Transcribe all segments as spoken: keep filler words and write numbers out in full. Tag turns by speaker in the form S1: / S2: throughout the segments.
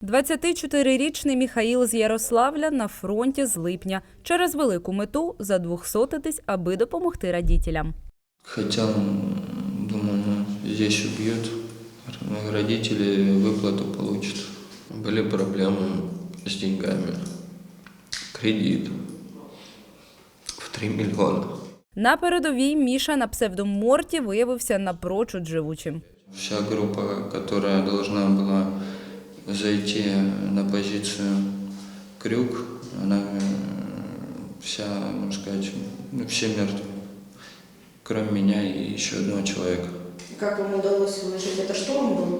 S1: двадцятичотирирічний Міхаїл з Ярославля на фронті з липня. Через велику мету задвохсотитись, аби допомогти родителям.
S2: Хотел, думал, ну, здесь убьют, родители выплату получат. Были проблемы с деньгами, кредит в три миллиона.
S1: На передовій Міша на псевдо Морті виявився напрочуд живучим.
S2: Вся группа, которая должна была зайти на позицию Крюк, она вся, можно сказать, ну, все мертвы, кроме меня и еще одного человека.
S3: Как вам удалось выжить? Это шторм был?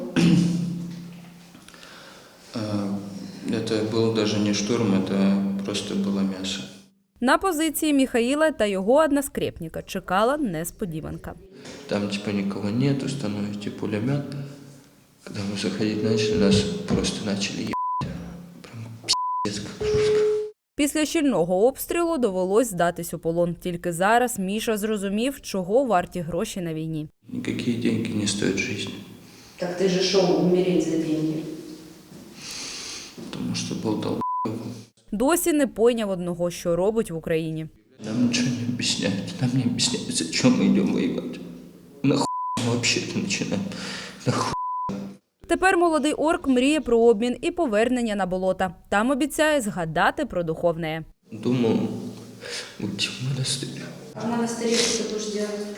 S2: Это был даже не штурм, это просто было мясо.
S1: На позиції Міхаїла та його односкрепника чекала несподіванка.
S2: Там типа никого нет, установите пулемет. Когда мы заходить начали, нас просто начали ебать. Прям пиздец как жестко.
S1: Після щільного обстрілу довелось здатись у полон. Тільки зараз Міша зрозумів, чого варті гроші на війні.
S2: Никакие деньги не стоят жизни.
S3: Так ты же шел умереть за деньги.
S2: Потому что был долб***.
S1: Досі не пойняв одного, що робить в Україні.
S2: Нам ничего не объясняют. Нам не объясняют, зачем мы идем воевать. Нахуй мы вообще-то начинаем. Нахуй.
S1: Тепер молодий орк мріє про обмін і повернення на болота. Там обіцяє згадати про духовне.
S2: Думал уйти в монастырь.
S3: А в монастыре что ты будешь делать?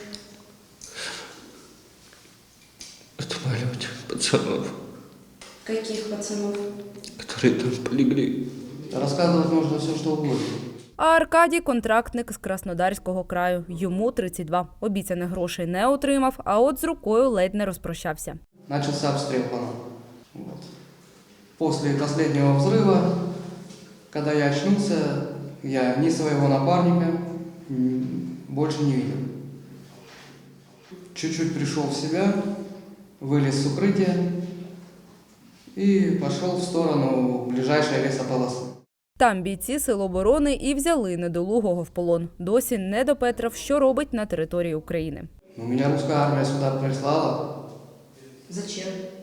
S2: Отваливать пацанов,
S3: Каких пацанов?
S2: которые там полегли.
S4: Рассказывать можно все, что угодно.
S1: А Аркадій – контрактник з Краснодарського краю. Йому тридцять два. Обіцяних грошей не отримав, а от з рукою ледь не розпрощався.
S4: Начался обстрел по нам. Вот. После последнего взрыва, когда я очнулся, я ни своего напарника м, больше не видел. Чуть-чуть пришел в себя, вылез с укрытия и пошел в сторону ближайшей лесополосы.
S1: Там бійці Сил оборони і взяли недолугого в полон. Досі не допетрав, що робить на території України.
S4: Но меня русская армия сюда прислала,
S3: Зачем?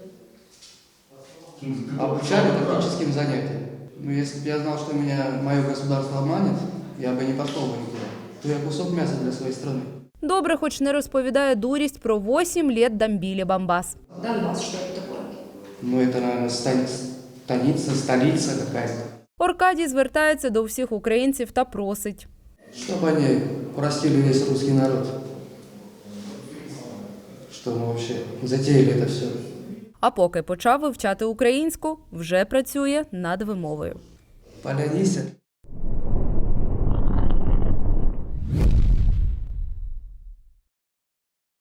S4: обучали тактическим занятиям. Но если бы я знал, что меня мое государство обманет, я бы не пошел бы никуда. То я кусок мяса для своей страны.
S1: Добре, хоч не розповідає дурість про вісім літ Дамбілі Бамбас.
S3: Донбасс, что это такое?
S4: Ну, это, наверное, станица, столица какая-то.
S1: Аркадій звертається до всіх українців та просить.
S4: Чтобы они простили весь русский народ. Что мы вообще затеяли это все.
S1: А поки почав вивчати українську, вже працює над вимовою.
S4: Полянися.